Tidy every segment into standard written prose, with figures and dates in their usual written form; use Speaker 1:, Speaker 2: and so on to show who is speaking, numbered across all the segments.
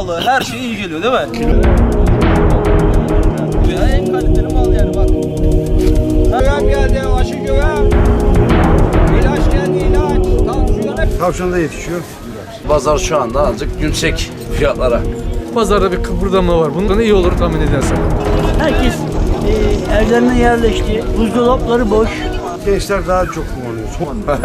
Speaker 1: sağlığı, her şeye iyi geliyor değil mi? Ya en kaliteli mal yani bak.
Speaker 2: Güvem geldi, aşı güvem. İlaç geldi, ilaç. Tansiyona.
Speaker 3: Tavşan da yetişiyor.
Speaker 4: Pazar şu anda azıcık yüksek fiyatlara.
Speaker 5: Pazarda bir kıpırdama var. Bundan iyi olur tahmin edersen.
Speaker 6: Herkes evlerine yerleşti. Buzdolapları boş.
Speaker 3: Gençler daha çok kullanıyor.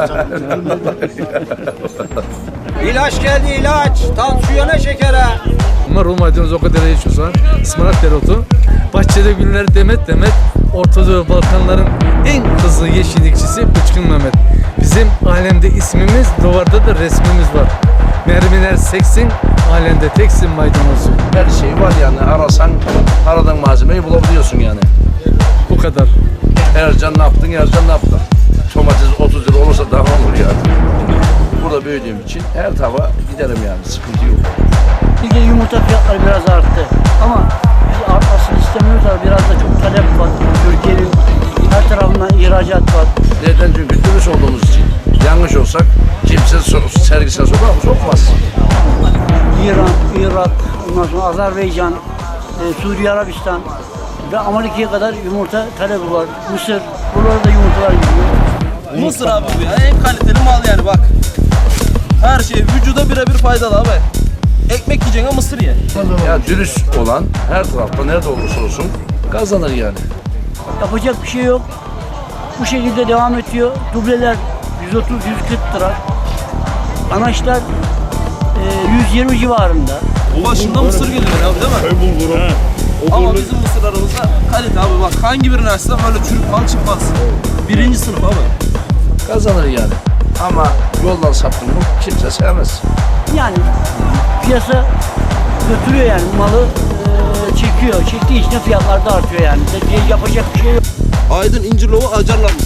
Speaker 2: İlaç geldi, ilaç. Tansiyona, şekere.
Speaker 5: Marul maydanoz o kadar yaşıyorsa, ıspanak dereotu, bahçede güller demet demet, Ortadoğu Balkanların en hızlı yeşillikçisi Bıçkın Mehmet. Bizim alemde ismimiz, duvarda da resmimiz var. Mermiler seksin, alemde teksin maydanozu.
Speaker 4: Her şey var yani, arasan aradığın malzemeyi bulabiliyorsun yani.
Speaker 5: Bu kadar.
Speaker 4: Ercan ne yaptın, Ercan ne yaptın? Domates 30 lira olursa daha olur yani. Burada büyüdüğüm için her tarafa giderim yani, sıkıntı yok.
Speaker 6: Bir de yumurta fiyatları biraz arttı. Ama biz artmasını istemiyoruz ama biraz da çok talep var. Türkiye'nin her tarafından ihracat var.
Speaker 4: Neden? Çünkü dürüst olduğumuz için. Yanlış olsak kimse sergisine sokmaz.
Speaker 6: İran, Irak, ondan sonra Azerbaycan, Suriye, Arabistan ve Amerika'ya kadar yumurta talebi var. Mısır, buralarda yumurtalar gidiyor.
Speaker 1: Mısır abi bu ya, en kaliteli mal yani bak. Her şey vücuda birebir faydalı abi. Ekmek yiyeceğine mısır ye.
Speaker 4: Ya dürüst olan her tarafta nerede olursa olsun kazanır yani.
Speaker 6: Yapacak bir şey yok. Bu şekilde devam ediyor. Dubleler 130-140 lira. Anaçlar 120 civarında.
Speaker 1: Başında mısır geliyor abi değil mi? Ama bizim mısırlarımızda kalite abi bak. Hangi birini açsam öyle çürük mal çıkmaz. Birinci sınıf abi.
Speaker 4: Kazanır yani. Ama yoldan saptın mı kimse sevmez.
Speaker 6: Yani piyasa götürüyor yani malı çekiyor. Çektiği için de fiyatlar da artıyor yani. Yapacak bir şey yok.
Speaker 1: Aydın İncirlova acarlanmış.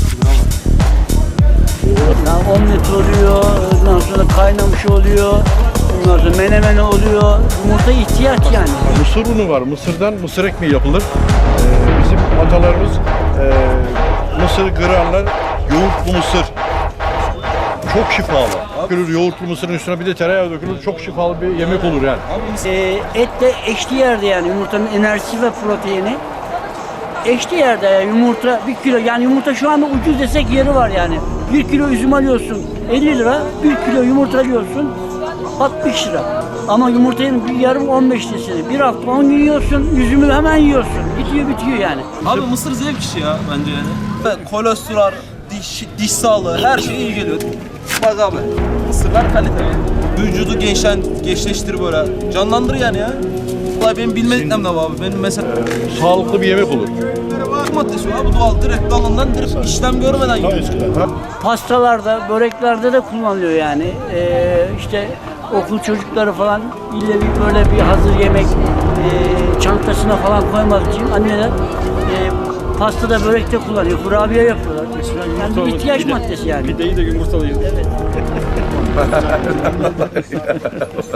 Speaker 6: Yani omlet oluyor, ondan sonra kaynamış oluyor, ondan sonra menemen oluyor. Yumurta ihtiyaç yani.
Speaker 3: Mısır unu var. Mısırdan mısır ekmeği yapılır. Bizim atalarımız mısır kırarlar. Yoğurtlu mısır. Çok şifalı. Dökülür yoğurtlu mısırın üstüne bir de tereyağı dökülür. Çok şifalı bir yemek olur yani.
Speaker 6: Etle eşli yerde yani yumurtanın enerjisi ve proteini. Eşli yerde yani yumurta 1 kilo yani yumurta şu anda ucuz desek yeri var yani. 1 kilo üzüm alıyorsun 50 lira, 1 kilo yumurta alıyorsun 60 lira. Ama yumurtanın bir yarım 15 lirası. Bir hafta 10 gün yiyorsun, üzümü hemen yiyorsun. Bitiyor yani.
Speaker 1: Abi mısır zevk işi ya bence yani. Evet, kolesterol, diş sağlığı, her şeye iyi geliyor. Bak abi, mısırlar kaliteli. Vücudu gençleştir böyle, canlandır yani ya. Vallahi benim bilmediklerim de var abi. Benim mesela
Speaker 3: Sağlıklı bir yemek olur.
Speaker 1: maddesi abi doğal direkt dalından direkt işlem görmeden yiyor.
Speaker 6: Pastalarda, böreklerde de kullanılıyor yani. İşte okul çocukları falan ille bir böyle bir hazır yemek çantasına falan koymak için anneler pastada börekte kullanıyor. Kurabiye yapıyorlar. Yani bir ihtiyaç maddesi yani.
Speaker 3: Pideyi de yumurtalıyız.
Speaker 6: Evet.